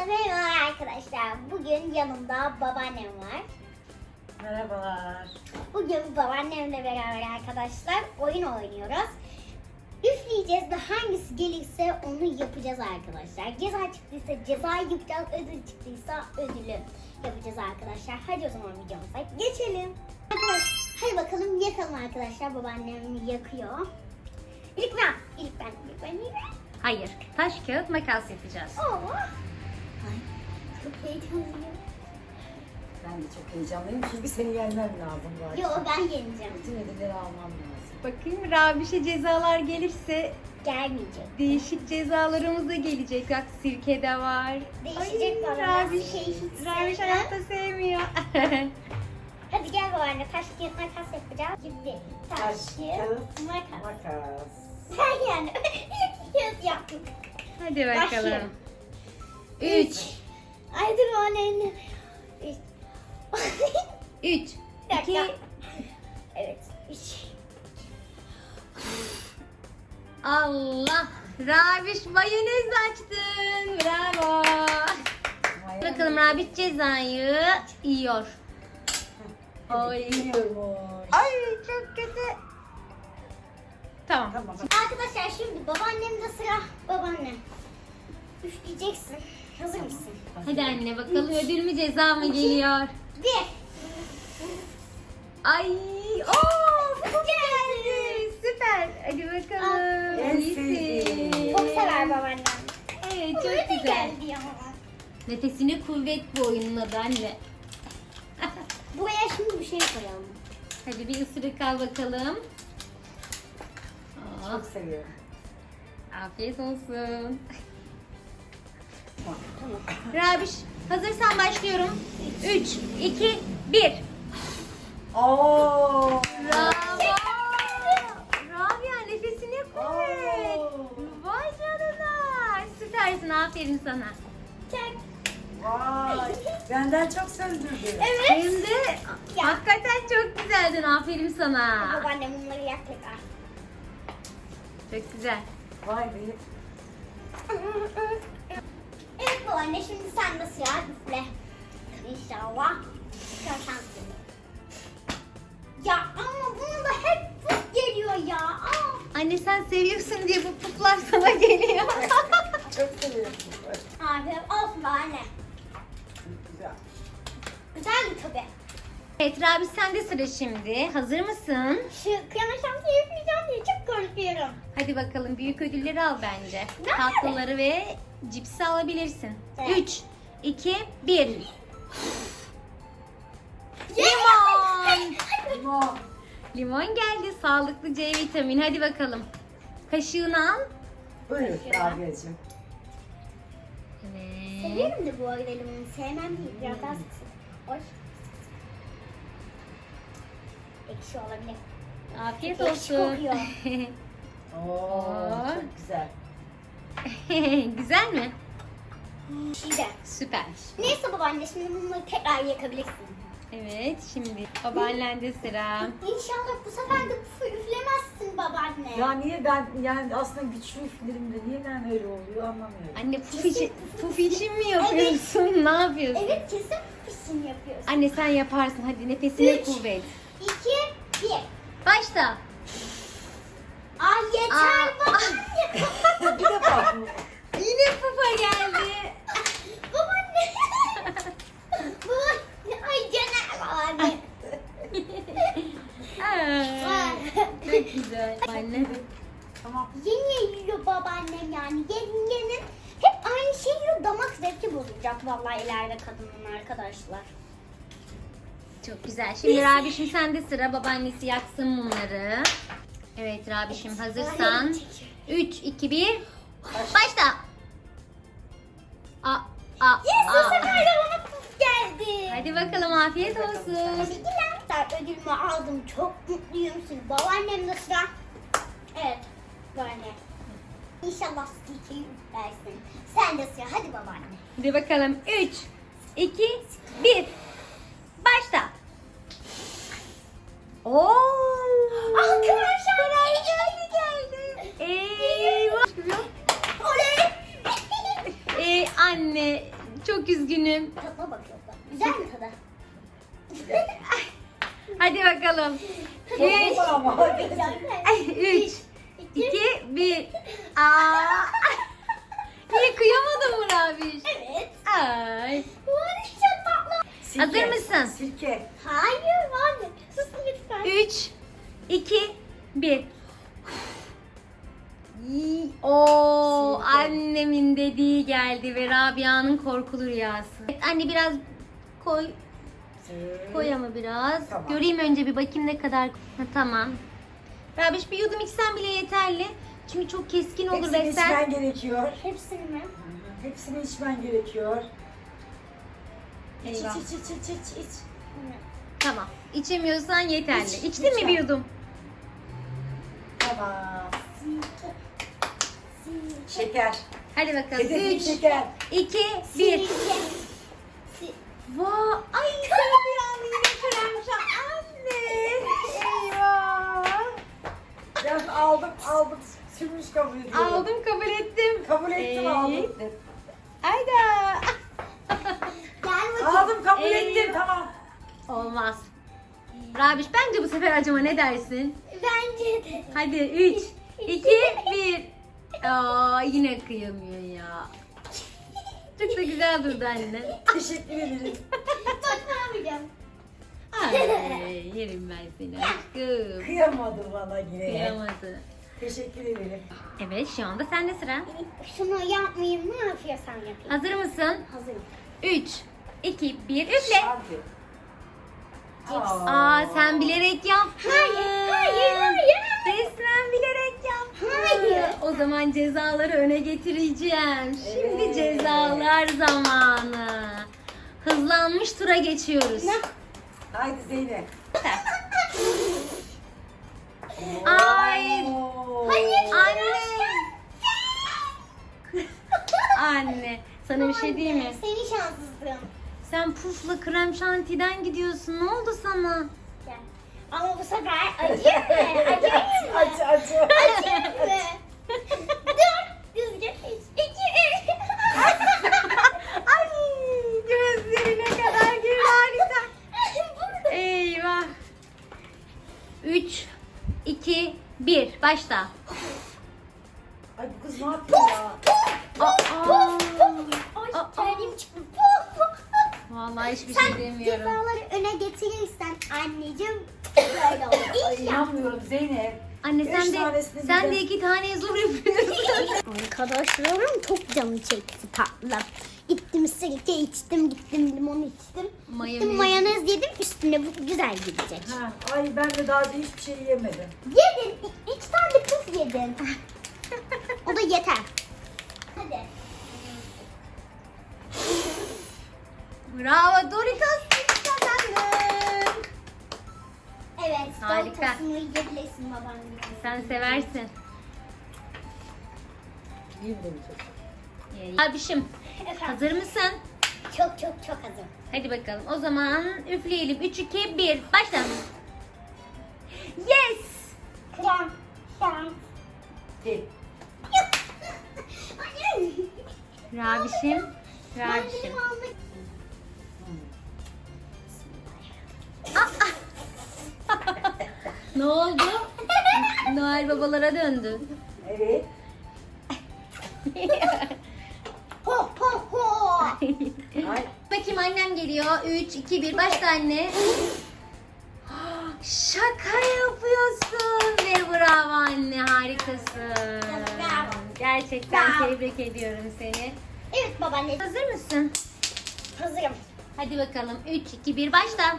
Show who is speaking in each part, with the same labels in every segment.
Speaker 1: Merhaba arkadaşlar. Bugün yanımda babaannem var.
Speaker 2: Merhabalar.
Speaker 1: Bugün babaannemle beraber arkadaşlar oyun oynuyoruz. Üfleyeceğiz ve hangisi gelirse onu yapacağız arkadaşlar. Ceza çıktıysa ceza yapacağız, ödül çıktıysa ödülü yapacağız arkadaşlar. Hadi o zaman videomuza geçelim. Arkadaşlar hadi bakalım yakalım arkadaşlar. Babaannem yakıyor. İlk ben.
Speaker 3: Hayır. Taş, kağıt, makas yapacağız.
Speaker 1: Oo. Ay, çok heyecanlıyım.
Speaker 2: Ben de çok heyecanlıyım çünkü seni yenmem lazım bu akşam.
Speaker 1: Yo ben yeneceğim.
Speaker 2: Bütün ödülleri almam lazım.
Speaker 3: Bakayım Rabiş'e cezalar gelirse
Speaker 1: Gelmeyecek.
Speaker 3: değişik cezalarımız da gelecek. Bak sirke de var.
Speaker 1: Değişecek
Speaker 3: Ay,
Speaker 1: bana.
Speaker 3: Rabiş, Rabiş hayatta sevmiyor.
Speaker 1: Hadi gel babaanne taş kağıt makas yapacağız. Şimdi taş kağıt makas.
Speaker 2: Makas.
Speaker 1: Sen yani iki kağıt yaptım.
Speaker 3: Hadi bakalım.
Speaker 1: Başlayalım.
Speaker 3: 3
Speaker 1: Ay dur babaanne.
Speaker 3: 3
Speaker 1: Bir dakika.
Speaker 3: 2
Speaker 1: Evet. 3.
Speaker 3: Allah. Rabiş mayonez açtın. Bravo. Bakalım Rabiş cezayı yiyor. Ay.
Speaker 2: Yiyormuş.
Speaker 3: Ay çok kötü. Tamam.
Speaker 2: Tamam.
Speaker 1: Arkadaşlar şimdi babaannemde sıra. Babaanne. Üfleyeceksin. Hazır mısın?
Speaker 3: Hadi anne bakalım ödül mü ceza mı geliyor?
Speaker 1: 1.
Speaker 3: Ay, ooo çok geldi. Süper. Hadi bakalım.
Speaker 2: En
Speaker 3: İyisin.
Speaker 2: sevdiğim.
Speaker 1: Çok sever babaannem.
Speaker 3: Evet
Speaker 1: Çok
Speaker 3: çok güzel.
Speaker 1: geldi ya.
Speaker 3: Nefesine kuvvet bu oyunun adı anne.
Speaker 1: Buraya şimdi bir şey koyalım.
Speaker 3: Hadi bir ısırık al bakalım. Oh,
Speaker 2: Çok seviyorum.
Speaker 3: afiyet olsun.
Speaker 1: Tamam.
Speaker 3: Rabiş hazırsan başlıyorum. 3, 2, 1.
Speaker 2: Oo.
Speaker 3: Bravo. Rabia nefesine kuvvet.
Speaker 2: Oo.
Speaker 3: Vay canına. Süpersin aferin sana.
Speaker 1: Çek.
Speaker 2: Vay. Benden çok söndürdü.
Speaker 1: Evet.
Speaker 3: Hem de
Speaker 1: Ya.
Speaker 3: hakikaten çok güzeldin aferin sana.
Speaker 1: Babaannem bunları yak tekrar.
Speaker 3: Çok güzel.
Speaker 2: Vay be.
Speaker 1: Evet babaanne şimdi sen de sıra üfle. İnşallah. Sen şanslısın. Ya ama bunu da hep puf geliyor ya. Aa.
Speaker 3: Anne sen seviyorsun diye bu puflar sana geliyor.
Speaker 2: Çok seviyorum.
Speaker 1: Abi olsun babaanne.
Speaker 2: Güzel.
Speaker 1: Güzeldi tabii.
Speaker 3: Evet Rabi sen de sıra şimdi. Hazır mısın?
Speaker 1: Şu kıyama şansı yapmayacağım diye çok korkuyorum.
Speaker 3: Hadi bakalım büyük ödülleri al bence.
Speaker 1: Nerede?
Speaker 3: Tatlıları ve cipsi alabilirsin.
Speaker 1: Evet.
Speaker 3: 3, 2, 1.
Speaker 1: Limon.
Speaker 2: Limon.
Speaker 3: Limon geldi. Sağlıklı C vitamini. Hadi bakalım. Kaşığını al.
Speaker 2: Buyur Rabia'cığım.
Speaker 3: Evet.
Speaker 1: Severim de bu arada limonu. Sevmem değil. Biraz daha sık sık. Hoş. Ekşi olabilir.
Speaker 3: Afiyet
Speaker 1: Ekşi
Speaker 3: olsun.
Speaker 1: kokuyor.
Speaker 2: Oo, çok güzel.
Speaker 3: Güzel mi?
Speaker 1: İyi de.
Speaker 3: Süper.
Speaker 1: Neyse babaanne şimdi bunları tekrar yakabilirsin.
Speaker 3: Evet şimdi babaannende sıra.
Speaker 1: İnşallah bu sefer de pufu üflemezsin babaanne.
Speaker 2: Ya niye ben yani aslında güçlü üflerim de niye ben öyle oluyor anlamıyorum.
Speaker 3: Anne puf için mi yapıyorsun? Ne yapıyorsun?
Speaker 1: Evet kesin puf için yapıyorsun.
Speaker 3: Anne sen yaparsın. Hadi nefesine
Speaker 1: 3,
Speaker 3: kuvvet.
Speaker 1: 2, 1.
Speaker 3: Başla.
Speaker 1: Ay yeter
Speaker 3: Aa.
Speaker 1: babaanne.
Speaker 2: Bir defa mı?
Speaker 3: Yine pufa geldi.
Speaker 1: Babaanne. Babaanne. Ay canım babaanne.
Speaker 3: Aa, çok güzel. Anne.
Speaker 2: Tamam.
Speaker 1: Yeni yiyor babaannem yani. Yengenin hep aynı şeyi yiyor. Damak zevki bozulacak vallahi ileride kadının arkadaşlar.
Speaker 3: Çok güzel. Şimdi Rabişim sende sıra. Babaannesi yaksın mumları. Evet Rabişim hazırsan. 3, 2, 1. Başla.
Speaker 1: Yes bu sefer de bana puf geldi.
Speaker 3: Hadi bakalım afiyet olsun.
Speaker 1: Teşekkürler. Ödülümü aldım. Çok mutluyum. Şimdi babaannem de sıra. Evet. Babaanne. İnşallah stilkeyi üflersin. Sen de sıra. Hadi babaanne.
Speaker 3: Hadi bakalım. 3, 2, 1. Başla. Oo!
Speaker 1: Arkadaşlar
Speaker 3: geldi. Eyvah.
Speaker 1: Oley.
Speaker 3: Anne Çok üzgünüm.
Speaker 1: Tadına bakıyorum. Güzel mi tadı?
Speaker 3: Hadi bakalım.
Speaker 2: Çok ama.
Speaker 3: 3, 2, 1. Aa. Niye kıyamadın mı Rabiş?
Speaker 1: Evet.
Speaker 3: Ay.
Speaker 1: Bu arada çok tatlı.
Speaker 2: Sirke.
Speaker 3: Hazır mısın?
Speaker 2: Sirke.
Speaker 1: Hayır abi. Susun lütfen.
Speaker 3: 3, 2, 1. Oo,
Speaker 2: Sirke.
Speaker 3: annemin dediği geldi ve Rabia'nın korkulu rüyası. Evet, anne biraz koy. Koy ama biraz.
Speaker 2: Tamam.
Speaker 3: Göreyim önce bir bakayım ne kadar. Ha, tamam. Rabiş bir yudum içsen bile yeterli. Çünkü çok keskin olur
Speaker 2: Hepsini
Speaker 3: ve sen...
Speaker 2: içmen gerekiyor.
Speaker 1: Hepsini mi?
Speaker 2: Hepsini içmen gerekiyor. İç
Speaker 3: Eyvah.
Speaker 2: iç.
Speaker 3: Tamam. İçemiyorsan yeterli.
Speaker 2: İç,
Speaker 3: İçtin mi
Speaker 2: lütfen.
Speaker 3: bir yudum?
Speaker 2: Tamam.
Speaker 1: Sirke.
Speaker 2: Şeker.
Speaker 3: Hadi bakalım.
Speaker 2: Hedefim
Speaker 3: 3,
Speaker 2: şeker.
Speaker 3: 2, 1.
Speaker 1: Sirke.
Speaker 3: Vay, ay Rabia'nın yine kremşa. Anne. Eyvah.
Speaker 2: Ben aldım. Sürmüş kabul ediyorum.
Speaker 3: Aldım, kabul ettim.
Speaker 2: Kabul ettim, aldım.
Speaker 3: Hayda.
Speaker 1: Gel bakayım.
Speaker 2: Aldım, kabul
Speaker 3: Eyvah.
Speaker 2: ettim. Tamam.
Speaker 3: Olmaz. Rabiş bence bu sefer acıma, ne dersin?
Speaker 1: Bence de.
Speaker 3: Hadi 3, 2, 1. Aa, yine kıyamıyor ya. Çok da güzel durdu anne.
Speaker 2: Teşekkür ederim.
Speaker 1: Bakmamayacağım.
Speaker 3: Ay, yerim ben seni aşkım.
Speaker 2: Kıyamadı bana yine.
Speaker 3: Kıyamadı.
Speaker 2: Teşekkür ederim.
Speaker 3: Evet, şu anda sende sıra.
Speaker 1: Şunu yapmayayım. Ne yapıyorsam yapayım.
Speaker 3: Hazır mısın?
Speaker 1: Hazırım.
Speaker 3: 3, 2, 1, üfle.
Speaker 2: Hadi.
Speaker 3: Aa, sen bilerek yaptın.
Speaker 1: Hayır.
Speaker 3: Resmen bilerek yaptın.
Speaker 1: Hayır.
Speaker 3: O zaman cezaları öne getireceğim. Şimdi
Speaker 2: Evet.
Speaker 3: cezalar zamanı. Hızlanmış tura geçiyoruz.
Speaker 2: Haydi Zeynep.
Speaker 3: Ay.
Speaker 2: Oo.
Speaker 3: Anne. Anne. Sana bir şey diyeyim mi?
Speaker 1: Seni şanssızlığım.
Speaker 3: Sen pufla krem şantiden gidiyorsun. Ne oldu sana?
Speaker 1: Gel. Ama bu sefer acıyor mu? Acıyor mu?
Speaker 2: Acı.
Speaker 1: Acıyor mu? Dur. Düzgün. 2, 3.
Speaker 3: Ay, gözlerine kadar girdi, harika. Eyvah. 3, 2, 1. Başla.
Speaker 2: Ay bu kız ne yapıyor ya?
Speaker 3: Aa.
Speaker 1: Ay terliğim çıktı.
Speaker 3: Vallahi hiçbir
Speaker 1: Sen
Speaker 3: şey demiyorum.
Speaker 1: cezaları öne getirirsen anneciğim böyle olur.
Speaker 2: Ay inanmıyorum Zeynep.
Speaker 3: Anne
Speaker 2: Üç
Speaker 3: sen de
Speaker 2: tanesini
Speaker 3: sen de
Speaker 2: birden-
Speaker 3: 2 tane zor yapıyorsun.
Speaker 1: Arkadaşlarım çok canı çekti tatlı. Gittim sirke içtim, gittim limon içtim.
Speaker 3: Mayonez.
Speaker 1: Gittim mayonez yedim, üstüne bu güzel gidecek.
Speaker 2: Ha, ay ben de daha önce hiçbir şey yemedim.
Speaker 1: Yedin, 2 tane puf yedin. O da yeter. Hadi.
Speaker 3: Bravo Doritos, kazandın.
Speaker 1: Evet,
Speaker 3: Harika.
Speaker 1: Doritos'unu yiyebilirsin babam gibi.
Speaker 3: Sen seversin.
Speaker 2: Yiyeyim de bir çok.
Speaker 3: Abişim,
Speaker 1: Efendim,
Speaker 3: hazır mısın?
Speaker 1: çok hazır.
Speaker 3: Hadi bakalım. O zaman üfleyelim. 3, 2, 1. Başla. Yes!
Speaker 1: Krem, şans.
Speaker 2: Gel.
Speaker 1: Hayır.
Speaker 3: Rabişim.
Speaker 1: Ben
Speaker 3: Rabişim.
Speaker 1: benim almak...
Speaker 3: Ne oldu? Noel babalara döndü.
Speaker 2: Evet.
Speaker 1: Ho ho ho.
Speaker 2: Ay.
Speaker 3: Bakayım, annem geliyor. 3, 2, 1. Başla anne. Şaka yapıyorsun. Ve bravo anne. Harikasın.
Speaker 1: Bravo.
Speaker 3: Gerçekten
Speaker 1: Bravo.
Speaker 3: tebrik ediyorum seni.
Speaker 1: Evet babaanne,
Speaker 3: Hazır mısın?
Speaker 1: hazırım.
Speaker 3: Hadi bakalım. 3, 2, 1. Başla.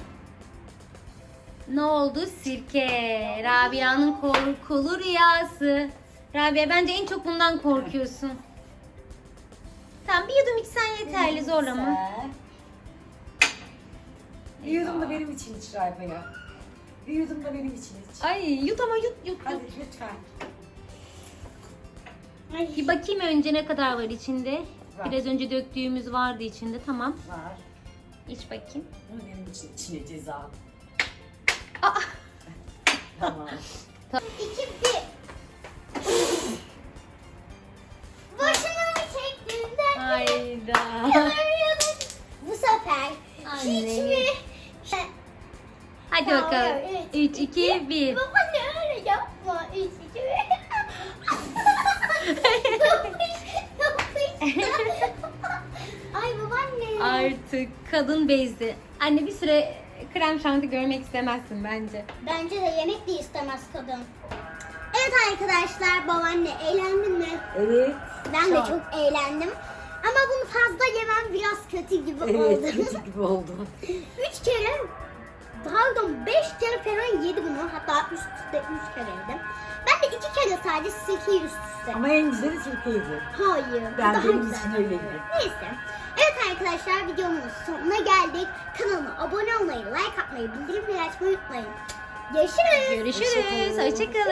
Speaker 3: Ne oldu? Sirke. Rabia'nın korkulu rüyası. Rabia, bence en çok bundan korkuyorsun. Tamam, bir yudum içsen yeterli, zorlama.
Speaker 2: Sen. Bir yudum da benim için iç Rabia. Bir yudum da benim için iç.
Speaker 3: Ay, yut ama yut.
Speaker 2: Hadi lütfen.
Speaker 1: Ay.
Speaker 3: Bir bakayım önce ne kadar var içinde.
Speaker 2: Var.
Speaker 3: Biraz önce döktüğümüz vardı içinde. Tamam.
Speaker 2: Var.
Speaker 3: İç bakayım.
Speaker 2: Bu benim için içine ceza.
Speaker 3: Aa!
Speaker 2: Tamam.
Speaker 1: 2, 1. Boşuna mı çektin de?
Speaker 3: Hayda.
Speaker 1: Yalan
Speaker 3: Anne. Hadi bakalım. 3, 2, 1.
Speaker 1: Babaanne öyle yapma. 3, 2, 1. Ay babaanne.
Speaker 3: Artık kadın bezdi. Anne bir süre krem şanti görmek istemezsin bence.
Speaker 1: Bence de yemek de istemez kadın. Evet arkadaşlar, babaanne eğlendin mi?
Speaker 2: Evet.
Speaker 1: Ben de çok eğlendim. Ama bunu fazla yemem biraz kötü gibi
Speaker 2: Evet,
Speaker 1: oldu.
Speaker 2: kötü gibi oldu.
Speaker 1: 3 kere, pardon 5 kere falan yedi bunu. Hatta üst üste 3 kere yedim. Ben de 2 kere sadece sirkeyi üst üste.
Speaker 2: Ama en güzeli sirkeydi.
Speaker 1: Hayır. bu
Speaker 2: Ben
Speaker 1: daha
Speaker 2: benim
Speaker 1: güzel.
Speaker 2: için öyleydi.
Speaker 1: Neyse. Evet arkadaşlar, videomun sonuna geldik. Kanalıma abone olmayı, like atmayı, bildirimleri açmayı unutmayın. Görüşürüz.
Speaker 3: Görüşürüz. Hoşçakalın.